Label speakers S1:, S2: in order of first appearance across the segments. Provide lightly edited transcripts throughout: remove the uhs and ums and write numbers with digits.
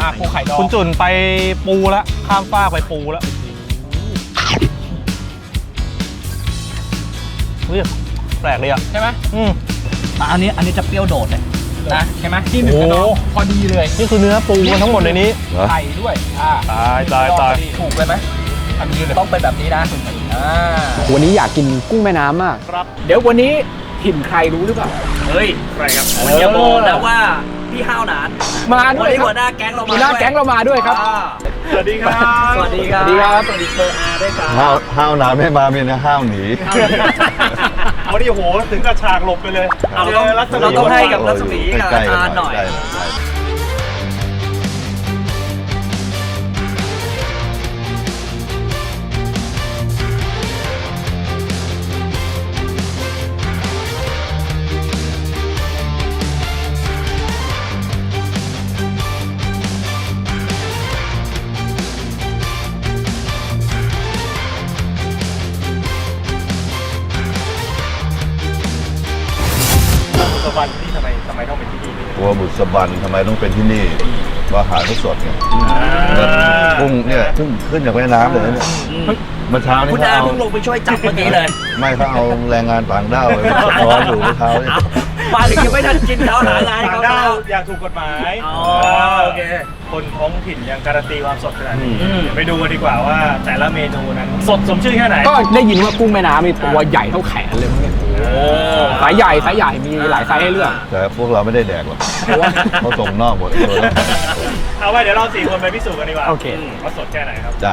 S1: ปูไข่ดอง
S2: คุณจุนไปปูแล้วข้ามฟากไปปูแล้วเฮ้ยแปลกเลยอ่ะ
S1: ใช่ไหม
S3: อันนี้จะเปรี้ยวโดดเลยนะใช่ไหม
S1: ที่หนึ่งกระดองพอดีเลย
S2: นี่คือเนื้อปูมันทั้งหมดในนี้
S1: ไข่ด้วย
S2: ตาย
S1: ถูกเลยไหมอันนี้เลย
S3: ต้องเป็นแบบนี้นะ
S4: วันนี้อยากกินกุ้งแม่น้ำมาก
S1: ครับเดี๋ยววันนี้ถิ่นใครรู้หรือเปล่า
S3: เฮ้ย
S1: ใครครับ
S3: อย่าบอกนะว่าพี่ห้าวหนาน
S1: มาด้วยครับ
S3: หัวหน้าแก๊งเรามา
S1: หัวหน้าแก๊งเรามาด้วยครับ
S2: สวัสดีครับ
S3: สวัสดีครับ
S1: สวัสดีครับ
S3: สวัสดีเบอร์อาด้วยครับ
S5: ห้าวหนาไม่มามีนะห้าวหนี
S2: วันนี้โหถึงกับฉากหลบไปเลย
S3: เราต้องให้กับรัศมีกับอาจารย์หน่อย
S2: บุษบันที่ทำไมต้องเป็นที่นี่
S5: กลัวบุษบันทำไมต้องเป็นที่นี่ว่าอาหารเขาสดไงกุ้งเนี่ยเพิ่งขึ้นจากแม่น้ำเลยเนี่ยเมื่อเช้านี้
S3: คุณอาเพิ่งลงไปช่วยจับเมื่อกี้เลย
S5: ไม่เขาเอาแรงงานต่างด้าวไปร้อนอยู่เมื่อเช้าเนี่ย
S3: มาถึงยังไม่ทันกินเขาหางานเขา
S2: อย่างถูกกฎหมาย
S3: โอเค
S2: คนท้องถิ่นยังการันตีความสดขนาดนี้ไปดูกันดีกว่าว่าแต่ละเมนูนั้นสดสมชื่อแค่ไหน
S4: ก็ได้ยินว่ากุ้งแม่น้ำมีตัวใหญ่เท่าแขนเลยมั้งเนี่ยสายใหญ่มีหลายไซส์ให้เลือก
S5: แต่พวกเราไม่ได้แดกหรอกเขาส่งนอกหมดเลย
S2: เอาไว้เดี๋ยวเรา4 คนไปพิสูจน์กันดีกว่า
S4: โอเค
S2: ว่าสดแค่ไหนครับ
S5: จ้ะ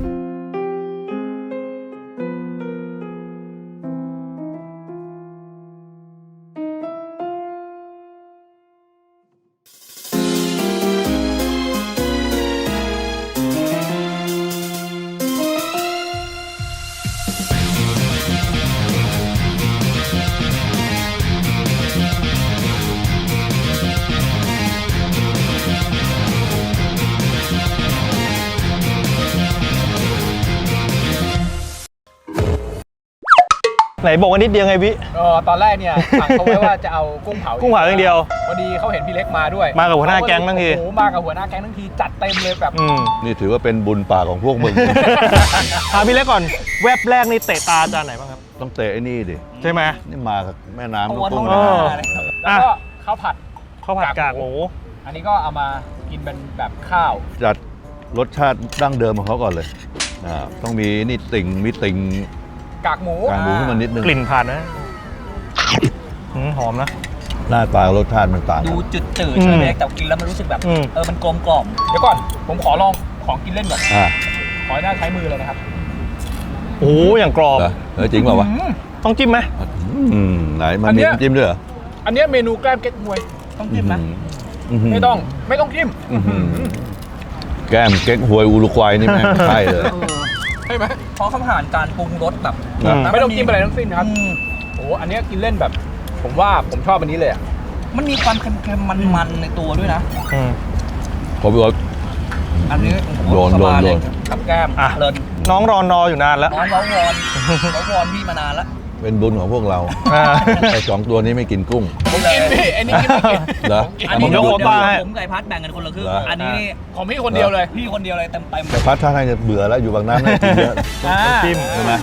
S2: ไหนบอกว่านิดเดียวไงพี่
S1: ตอนแรกเนี่ยสั่งเขาไว้ว่าจะเอากุ้งเผา
S2: อย่างเดียว
S1: พอดีเขาเห็นพี่เล็กมาด้วย
S2: มากับหัวหน้าแก๊งทั้งที
S1: โอ้มากับหัวหน้าแก๊งทั้งทีจัดเต็มเลยแบบ
S5: นี่ถือว่าเป็นบุญปากของพวกมึง
S2: ถามพี่เล็กก่อนแวบแรกนี่เตะตาจานไหนบ้างครับ
S5: ต้องเตะไอ้นี่ดิ
S2: ใช่ไหม
S5: นี่มากับแม่น้ำ
S1: กุ้งแล้วก็ข้าวผัด
S2: กากหมู
S1: อันนี้ก็เอามากินเป็นแบบข้าว
S5: จัดรสชาติดั้งเดิมของเขาก่อนเลยต้องมีนี่มีติ่ง
S1: กากหมู
S5: ขึ้นมานิดนึง
S2: กลิ่นผ่านนะหอมนะ
S5: หน้าตารสชาติมันต่าง
S3: ดูจืดใช่ไหมแต่กินแล้วมันรู้สึกแบบมันกลมกล่อม
S1: เดี๋ยวก่อนผมขอลองของกินเล่นก่อนขอหน้าใช้มือเลยนะครับ
S2: โอ้อย่างกรอบ
S5: จริงเปล่าวะ
S2: ต้องจิ้มไหม
S5: ไหนมันมีจิ้มด้วยเหรอ
S1: อันนี้เมนูแกล้มเก๊กฮวยต้องจิ้มนะไม่ต้องจิ้ม
S5: แก้มเก๊กฮวยอุรุกวัยนี่แม่งใช่เลย
S1: ใช่ไหม
S3: เพราะเขาผ่านการปรุงรสแบบ
S1: ไม่ต้องจิ้มอะไรทั้งสิ้นครับโอ้อันนี้กินเล่นแบบผมว่าผมชอบอันนี้เลย
S3: มันมีความเค็มๆมันๆในตัวด้วยนะ
S5: ขอบคุณ
S3: อันนี้
S5: โดน
S3: กับแก้มเลิศ
S2: น้องรอนออยู่นานแล้ว
S3: น้องวอนพี่มานานแล้ว
S5: เป็นบุญของพวกเราไอ้2 ตัวนี้ไม่กินกุ้ง
S1: ผมกินพี่อันนี้กินไม่กิน
S5: เหรอ
S2: ผมยกโควต้าให้
S3: ผมไก่พัดแบ่งกันคนละครึ่งอันนี้
S1: ของพี่คนเดียวเลย
S3: พี่คนเดียวเลยเต็ม
S5: แต่พัดท่าทางจะเบื่อแล้วอยู่บางน้ำไม่กินเยอะ
S2: จิ้ม
S5: ใช่ไหม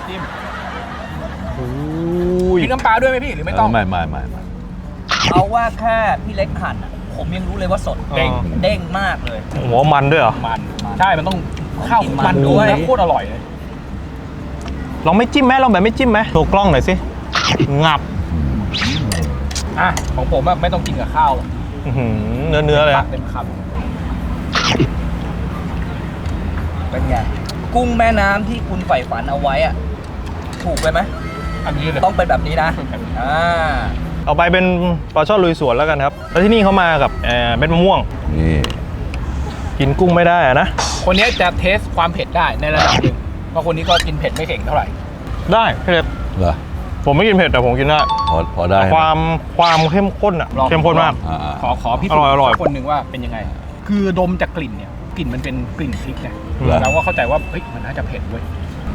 S1: มีน้ำปลาด้วยไหมพี่หรือไม่ต้อง
S5: ไม่
S3: เอาว่าแค่พี่เล็กหั่นผมยังรู้เลยว่าสดเด้งมากเลย
S2: หัวมันด้วยเหรอ
S1: มันใช่มันต้องข้าวมันด้วยโคตรอร่อยเลย
S2: ลองไม่จิ้มไหมลองแบบไม่จิ้มไหมโชว์กล้องหน่อยสิงับ
S1: ของผมไม่ต้องกินกับข้าว
S2: เนื้อเลย
S1: เต็มคำ
S3: เป็นไงกุ้งแม่น้ำที่คุณใฝ่ฝันเอาไว้อะถูกไปไหม
S1: อันนี้เลย
S3: ต้องเป็นแบบนี้นะ
S2: เอาไปเป็นปลาช่อนลุยสวนแล้วกันครับแล้วที่นี่เขามากับเม็ดมะม่วง
S5: นี่
S2: กินกุ้งไม่ได้นะ
S1: คนนี้จะเทสความเผ็ดได้ในระดับหนึ่งเพราะคนนี้ก็กินเผ็ดไม่เก่งเท่าไหร่
S2: ได้พี่เล็ก
S5: เหรอ
S2: ผมไม่กินเผ็ดแต่ผมกินได้
S5: พอได้
S2: ความเข้มข้นเข้มข้นมาก
S1: ขอพี่อร่อยคนหนึ่งว่าเป็นยังไงคือดมจากกลิ่นเนี่ยกลิ่นมันเป็นกลิ่นพริกไงเราก็เข้าใจว่าเฮ้ยมันน่าจะเผ็ดเว้ย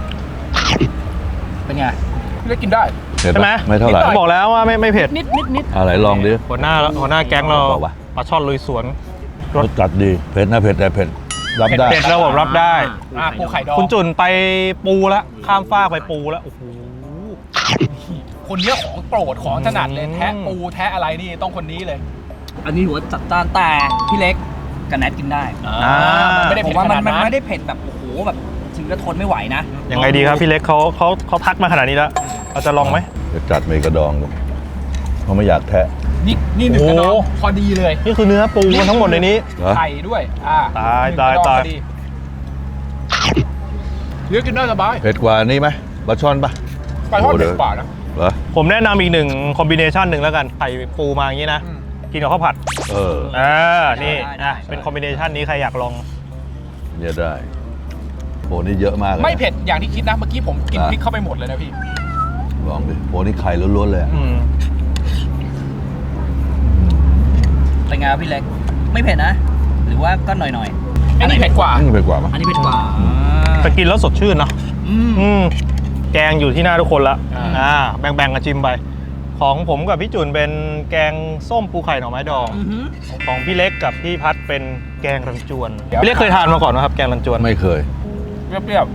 S1: เป็นไงพี่ได้กินได้
S2: ใช่ไหม
S5: ไม่เท่าไหร่
S2: บอกแล้วว่าไม่เผ็ด
S1: นิด
S5: อะไรลองดิ
S2: หัวหน้าแก๊งเราปลาช่อนลุยสวน
S5: รสจัดดีเผ็ดนะเผ็ดแต่เผ็ดรับได้
S2: เผ็ดแล้วผมรับได้
S1: ปูไข่ดอง
S2: คุณจุนไปปูแล้วข้ามฟากไปปูแล้วโอ้โห
S1: คนเนี้ยของโปรดของถนัดเลยแทะปูแทะอะไรนี่ต้องคนนี้เลย
S3: อันนี้หัวจัดจ้านแต่พี่เล็กกับแนทกินได้
S1: มันไม่ได้
S3: ผ
S1: เผ็
S3: ม
S1: ด
S3: ว่า
S1: ข
S3: มัน
S1: นาดนั้น
S3: ไม่ได้เผ็ดแบบโอ้โหแบบถึงจะทนไม่ไหวนะ
S2: ยังไงดีครับพี่เล็กเขาทักมาขนาดนี้แล้วเราจะลองไหม
S5: จะจัดเมกระดองดูเพราะไม่อยากแทะ
S1: นี่หนึ่งกระดองพอดีเลย
S2: นี่คือเนื้อปูมันทั้งหมดในนี้
S5: เหรอ
S1: ไข่ด้วย
S2: ตาย
S1: หนึ่งกระดอง
S2: ตาย
S1: พอดีเลือกกินได้สบาย
S5: เผ็ดกว่านี้ไหมปลาช่อนปะ
S1: ปลาทอดเผ็ดกว่านะ
S5: เหรอ
S2: ผมแนะนำอีกหนึ่งคอมบิเนชันหนึ่งแล้วกันใส่ปูมาอย่างนี้นะ กินกับข้าวผัด นี่
S3: ได้
S2: เป็นคอมบิเนชันนี้ใครอยากลอง
S5: เนี่ยได้โหนี่เยอะมากเลย
S1: ไม่เผ็ดอย่างที่คิดนะเมื่อกี้ผมกินพริกเข้าไปหมดเลยนะพี่
S5: ลองดิโหนี่ไข่ล้วนๆเลยอะ
S3: เป็นไงครับพี่เล็กไม่เผ็ดนะ หรือว่าก็หน่อย
S1: อันนี้เผ็ดกว่า
S5: นี่เผ็ดกว่ามั้ย
S3: อันนี้เผ็ดกว่า
S2: แต่กินแล้วสดชื่นเนาะ
S3: อืม
S2: แกงอยู่ที่หน้าทุกคนละ
S1: อ่า
S2: แบ่งๆกันชิมไป ของผมกับพี่จุนเป็นแกงส้มปูไข่หน่อไม้ดอง ของพี่เล็กกับพี่พัดเป็นแกงรันจวน พี่เล็กเคยทานมาก่อนไหมครับแกงรันจวน
S5: ไม่เคย
S1: เปรี้ยว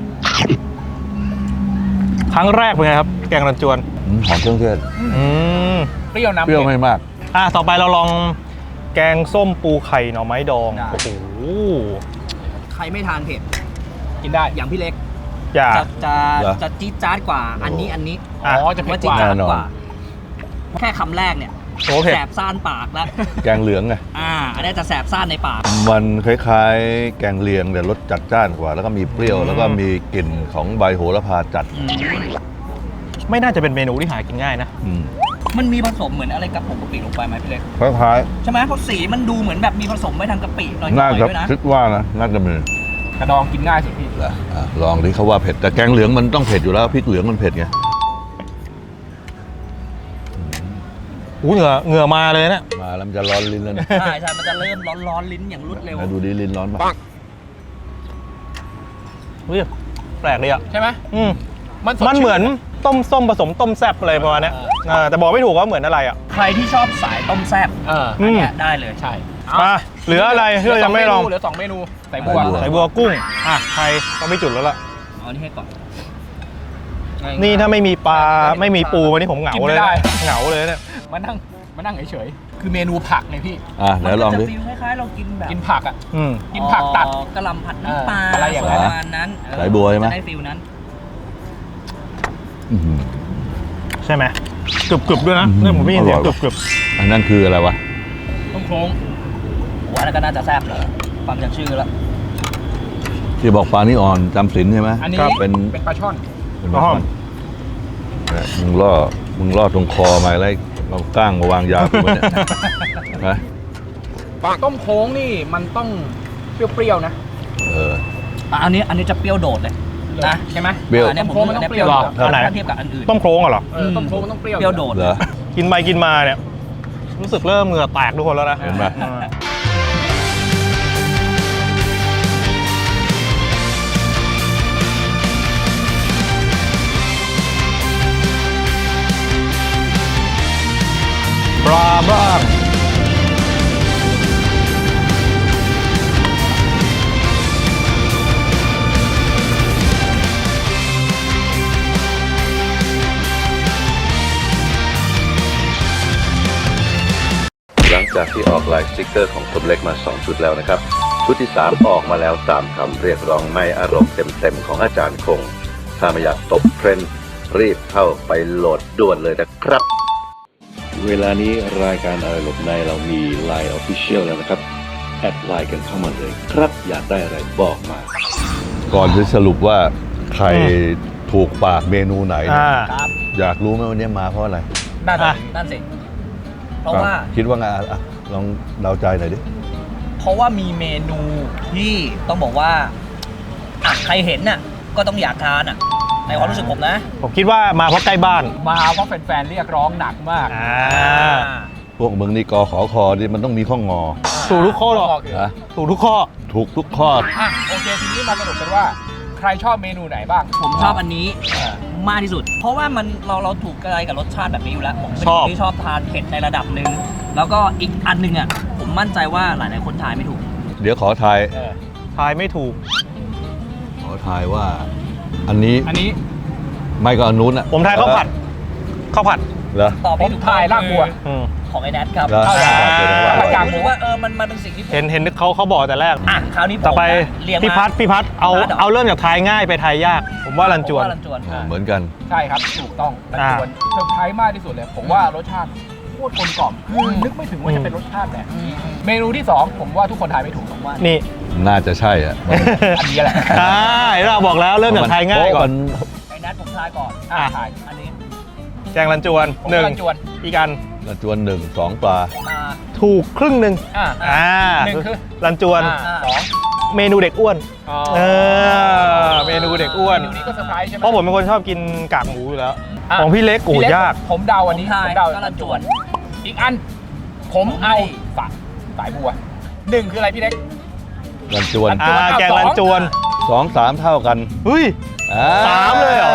S2: ครั้งแรกเป็นไงครับแกงรันจวน
S5: หอมเครื่องเทศ
S1: ๆเปรี้ยวน้ำ
S5: เปรี้ยวไม่มาก
S2: ต่อไปเราลองแกงส้มปูไข่หน่อไม้ดอง
S3: ได้
S2: โอ้โห
S3: ใครไม่ทานเผ็ด
S1: กินได้
S3: อย่างพี่เล็ก
S2: อย่า
S3: จะจี๊ดจ๊าดกว่า อันนี้
S1: อ๋อจะเผ็
S3: ว่า
S1: ด
S3: จี๊
S1: ก
S3: ด
S1: ว่า
S3: จ๊าด
S5: แน่นอน
S3: กว่า แค่คำแรกเนี่ย
S2: โอ้เผ็ด
S3: แสบซ่านปากแล้ว
S5: แกงเหลืองไง
S3: อันนี้จะแสบซ่านในปาก
S5: มันคล้ายๆ แกงเลียงแต่รสจัดจ้านกว่า แล้วก็มีเปรี้ยว แล้วก็มีกลิ่นของใบโหระพาจัด
S2: ไม่น่าจะเป็นเมนูที่หากินง่ายนะ
S5: อืม
S3: มันมีผสมเหมือนอะไรกับผงกะปิลงไปไหมพี่เล็ก
S5: คล้าย
S3: ใช่ไหมเพราะสีมันดูเหมือนแบบมีผสมไว้ทางกะปิหน่อย
S5: ๆ
S3: ๆ
S5: น่าจะ
S3: ด้วยนะ
S5: คิดว่านะน่าจะมี
S1: กระดองกินง่ายสุดพี่
S5: ลองดิเขาว่าเผ็ดแต่แกงเหลืองมันต้องเผ็ดอยู่แล้วพริกเหลืองมันเผ็ดไง
S2: เหงื่อมาเลยนะ
S5: มาแล้วมันจะร้อนลิ้นแล้วเนี่ย
S3: ใช่ใช่มันจะเริ่มร้อนๆลิ้นอย่างรวดเร็ว
S5: ไหนดูดิลิ้นร้อนปะ
S2: เฮ้ยแปลกเลยอ่ะ
S1: ใช่ไหม
S2: มัน
S1: สดชื่
S2: เหมือนต้มส้มผสมต้มแซ่บอะไรประมาณเนี้ยแต่บอกไม่ถูกว่าเหมือนอะไรอ่ะ
S3: ใครที่ชอบสายต้มแซ่บ
S2: อืม
S3: เนี่ยได้เลย
S1: ใช่
S2: มาเหลืออะไรที่เรายังไม่ลอง
S1: เหลือ2 เมนูใส่บัว
S2: ใส่บัวกุ้งใครต้องไม่จุดแล้วล่ะ
S3: เอานี่ให้ก่อน
S2: นี่ถ้าไม่มีปลาไม่มีปูวันนี้ผมเหงาเลยนะเหงาเลยเนี่ย
S1: มานั่งเฉยๆคือเมนูผักไงพี่
S5: ไหนลองดิ
S3: มันจะฟีลคล้ายๆเรากินแบบ
S1: กินผักอ่ะ
S2: อืม
S1: กินผักตัด
S3: กระหลำผัดน้ำปลา
S1: อะไรอย่างนั้น
S3: ประมาณนั้น
S5: สายบัวใช่ไหม
S3: จะได้ฟีลนั้น
S5: อื้อหือ
S2: ใช่ไหมกรึบๆด้วยนะเนี่ยผมไม่ยินเสียงกรึบ
S5: อันนั้นคืออะไรวะ
S1: ต้มโครง
S3: หัวนั่นก็น่าจะแซ่บเลยฟังจากชื่อแล้ว
S5: ที่บอกปลานี่อ่อนจำศีลใช่ไหม
S1: อันนี้
S5: เป็น
S1: เป็นปลาช่อน
S5: เป็นปลาช่อนเนี่ยมึงล่อตรงคอมาแล้วเราก้างมาวางยากูไว้เนี่ยนะ
S1: ต้มโค้งนี่มันต้องเปรี้ยวๆนะ
S3: อันนี้จะเปรี้ยวโดดเลยนะ
S1: ใช่ไหม
S5: เปรี้ยว
S3: อันนี้ผม
S1: ต้มโค้งมันต้องเปรี้ยว
S3: ถ้าเทียบกับอันอื่น
S2: ๆต้มโครงเหรอ
S1: ต้มโค้งมันต้องเปรี้ยว
S3: เปรี้ยวโดด
S5: เหรอ
S2: กินไปกินมาเนี่ยรู้สึกเริ่มเหงื่อแตกทุกคนแล้วนะ
S5: เห็นไหม
S2: ปลาบ้าง
S5: หลังจากที่ออกลายสติ๊กเกอร์ของคนเล็กมา2ชุดแล้วนะครับชุดที่3ออกมาแล้วตามคำเรียกร้องไม่อารมณ์เต็มๆของอาจารย์คงถ้าไม่อยากตกเทรนด์รีบเข้าไปโหลดด่วนเลยนะครับเวลานี้รายการอะไรหลบในเรามี Line Official แล้วนะครับแอดไลน์กันเข้ามาเลยครับอยากได้อะไรบอกมา ก่อนจะสรุปว่าใครถูกปากเมนูไหนเนี่ย
S3: ครับ
S5: อยากรู้ไหมวันนี้มาเพราะอะไร
S3: นั่นสิเพราะว่า
S5: คิดว่าไงลองเดาใจหน่อยดิ
S3: เพราะว่ามีเมนูที่ต้องบอกว่าใครเห็นน่ะก็ต้องอยากทานในความรู้สึกผมนะ
S2: ผมคิดว่ามาเพราะใกล้บ้าน
S1: มาเพราะแฟนๆเรียกร้องหนักมาก
S5: พวกมึงนี่กขอคอดิมันต้องมีข้องอ
S2: ถูกทุกข้อหรอก
S5: นะ
S2: ถูกทุกข้อ
S5: ถูกทุกข้อ
S1: โอเคทีนี้มาสรุปกันว่า ใครชอบเมนูไหนบ้าง
S3: ผมชอบอันนี้มากที่สุด เพราะว่ามันเราถูกกระไรกับรสชาติแบบนี้อยู่แล้วผมเป็น
S2: ชอบ
S3: คนที่ชอบทานเผ็ดในระดับหนึ่งแล้วก็อีกอันหนึงผมมั่นใจว่าหลายๆคนทานไม่ถูก
S5: เดี๋ยวขอทาย
S2: ทายไม่ถูก
S5: ขอทายว่า อันนี้
S1: อันนี้
S5: ไม่ก็อันนู้นอ่ะ
S2: ผมทายข้าวผัดข้าวผัด
S5: เหรอ
S3: ตอบ
S1: ผ
S3: ไม่
S1: ม
S3: ถูก
S1: ทายลากบัว
S2: อืม
S3: ของไอ้แนทครับ
S5: เหรอ
S1: เข้าใจ
S3: ผม
S1: กลาง
S3: รู้สึกว่ามันเป็นสิ่งที่ผม
S2: เห็นเขาบอกแต่แรก
S3: อ่ะคราวนี้ผม
S2: ต่อไป
S3: เรียง
S2: พี่พัดเอา
S3: ร้นหร
S2: เอาเริ่มจากทายง่ายไปทายยาก ผมว่ารันจวน
S3: ผมว่ารันจวน
S5: เหมือนกัน
S1: ใช่ครับถูกต้องรันจวนเซอร์ไพรส์มากที่สุดเลย ผมว่ารสชาติโคตรกลมกล่อมคือนึกไม่ถึงว่าจะเป็นรสชาติแบบนี้เมนูที่ 2 ผมว่าทุกคนทายไม่ถูกผมว่า
S2: นี่
S5: น่าจะใช่อ่ะ
S1: อันนี้แหละ
S2: ใช่เราบอกแล้วเริ่มจากทายง่ายก่อน
S3: ไอ้แนทผมทายก่อน
S1: ทาย
S3: อันนี้
S2: แกงรันจวน
S1: ผม
S2: หนึ่ง
S1: รันจวน
S2: อีกอัน
S5: กระจวน1 2 ปลา
S3: มา
S2: ถูกครึ่งหนึ่ง
S1: หนึ่งคือ
S2: รันจวน
S1: สอง
S2: เมนูเด็กอ้วน
S1: อ๋อ
S2: เมนูเด็กอ้วน
S1: เมนูนี้ก็เซอร์ไพรส์ใช่ไหม
S2: เพราะผมเป็นคนชอบกินกากหมูอยู่แล้ว
S1: อ่ะ
S2: ของพี่เล็กโอ้
S1: พี่เล็
S2: ยาก
S1: ผมเดาอันนี้
S3: ทา
S1: ผ
S3: ย
S1: มเดา
S3: ก็รันจวน
S1: อีกอัน ผมเอาสายบัวหนึ่งคืออะไรพี่เล็ก
S5: กระจวน
S2: แกงรันจวน
S5: 2 3 เท่ากัน
S2: เฮ้ย สามเลยเหรอ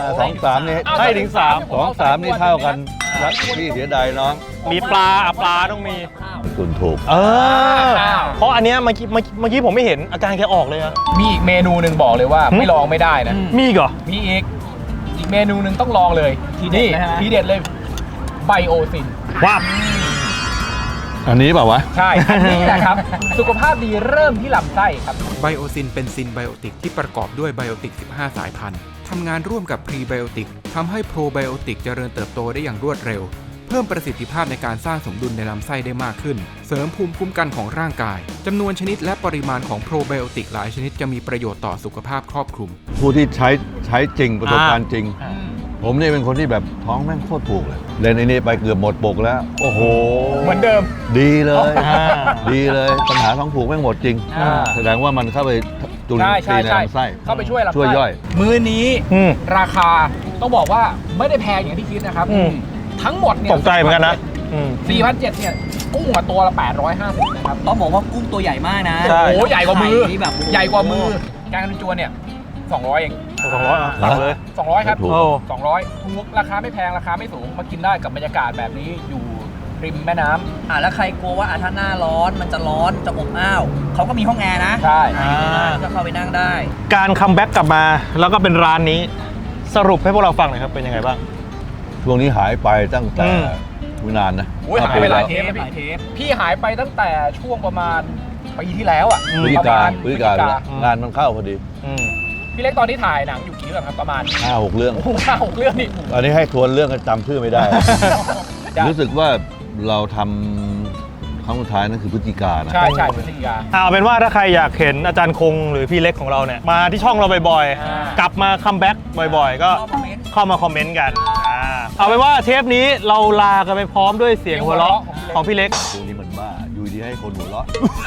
S5: 2 3 นี่
S2: ให้ถึงสาม
S5: 2 3 นี่เท่ากันรักพี่เสียดายน้อง
S2: มีปลาปลาต้องมี
S5: คุณถูก
S2: เพราะอันเนี้ยเมื่อกี้ผมไม่เห็นอาการแกออกเลยอะ
S1: มีอีกเมนูหนึ่งบอกเลยว่าไม่ลองไม่ได้นะ
S2: มีอีกเหรอ
S1: มีอีกเมนูหนึ่งต้องลองเลย
S3: ทีเด็ด
S1: นี่
S3: นะฮะ
S1: ทีเด็ดเลยไบโอซิน
S2: ว้าบ
S5: อันนี้เปล่าวะ
S1: ใช่ อันนี้แหละครับ สุขภาพดีเริ่มที่ลำไส้ครับ
S6: ไบโอซินเป็นซินไบโอติกที่ประกอบด้วยไบโอติก 15 สายพันธุ์ ทำงานร่วมกับพรีไบโอติกทำให้โปรไบโอติกเจริญเติบโตได้อย่างรวดเร็ว เพิ่มประสิทธิภาพในการสร้างสมดุลในลำไส้ได้มากขึ้น เสริมภูมิคุ้มกันของร่างกาย จำนวนชนิดและปริมาณของโปรไบโอติกหลายชนิดจะมีประโยชน์ต่อสุขภาพครอบคลุม
S5: ผู้ที่ใช้จริงประสบการณ์จริง ผมนี่เป็นคนที่แบบท้องแม่งโคตรผูกเลยเล่นไอ้นี่ไปเกือบหมดปกแล้ว โอ้โห
S1: เหมือนเดิม
S5: ดีเลย
S2: อ่า
S5: ดีเลยปัญหาท้องผูกแม่งหมดจริง
S1: อ่า
S5: แสดงว่ามันเข้าไปจุลิน
S1: ใช่
S5: ทรีย์ใน
S1: ใช่
S5: ลำไส้
S1: เข้าไปช่วยลำไส้
S5: ช่วยย่อย
S1: มื้อนี้
S2: อืม
S1: ราคาต้องบอกว่าไม่ได้แพงอย่างที่คิดนะครับ
S2: อืม
S1: ทั้งหมดเนี่ย
S2: ตกใจเหมือนกันนะอืม
S1: 4,700เนี่ยกุ้งอะตัวละ 850นะครับ
S3: ต้องบอกว่ากุ้งตัวใหญ่มากนะ
S2: ใช่
S1: โอ้โหใหญ่กว่ามือ
S3: ไข่นี่แบบ
S1: ใหญ่กว่ามือแกงรันจวนเนี่ย200เอง
S2: 200อ่ะสั่งเลย
S1: 200 ครับ
S5: ถูก
S2: โอ้
S1: 200ถูกราคาไม่แพงราคาไม่สูงมากินได้กับบรรยากาศแบบนี้อยู่ริมแม่น้ำ
S3: แล้วใครกลัวว่าถ้าหน้าร้อนมันจะร้อนจะอบอ้าวเขาก็มีห้องแอร์นะ
S1: ใช่
S3: ก็เข้าไปนั่งได้
S2: การคัมแบ็กกลับมาแล้วก็เป็นร้านนี้ สรุปให้พวกเราฟังหน่อยครับเป็นยังไงบ้าง
S5: ช่วงนี้หายไปตั้งแต่
S2: อืม
S5: ไม่นานนะ
S1: โอ้ยหายไปหลายเทป
S3: ห
S1: นะ
S3: ลายเท
S1: พี่พี่หายไปตั้งแต่ช่วงประมาณปีที่แล้วอ่ะ
S2: อืม
S5: พฤศจิ
S1: ประ
S5: กา
S1: มาณ
S5: พฤศจิกาแล้วงานมันเข้าพอดี
S2: อืม
S1: พี่เล็กตอนนี้ถ่ายหนังอยู่กี่เรื่องครับประมาณ
S5: 5-6 เรื่อง
S1: โอ้โห5-6 เรื่องนี่
S5: อันนี้ให้ทวนเรื่องก็จำชื่อไม่ได้ รู้สึกว่าเราทำครั้งสุดท้ายนั่นคือพฤศจิกานะ
S1: ใช่ใช่พฤศจิกา
S2: เอาเป็นว่าถ้าใครอยากเห็นอาจารย์คงหรือพี่เล็กของเราเนี่ยมาที่ช่องเราบ่อย
S1: อ่า
S2: ๆ กลับมาคัมแบ็กบ่อยๆ ก็
S3: คอมเมนต์
S2: เข้ามาคอมเมนต์กันเอาเป็นว่าเทปนี้เราลากันไปพร้อมด้วยเสียงหัวเราะของพี่เล็ก
S5: พวกนี้มันบ้า อยู่ดีให้คนหัวเราะ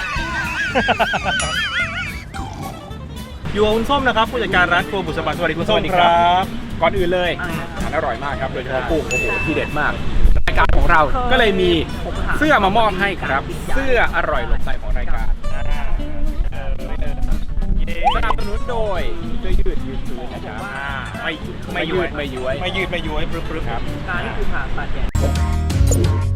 S2: อยู่กับคุณส้มนะครับผู้จัดการร้านครัวบุษบาสวัสดีคุณส้ม
S1: สวัสดี
S2: ค
S1: ครั
S2: รับ
S1: ก่อนอื่นเลยอาหารอร่อยมากครับโดยเฉพาะกุ้งโอ้โหที่เด็ดมากรายการของเราก็เลยมีเสื้อมามอบให้ครับ เสื้ออร่อยหลบใจของรายการสนับสนุนโดยเสื้อยืดยืดพื้นนะครับไม่ยืดไม่ย้วย
S2: ไม่ยืดไม่ย้วยปรึ๊บๆครับ
S3: การนี่คือผ่าตัดแก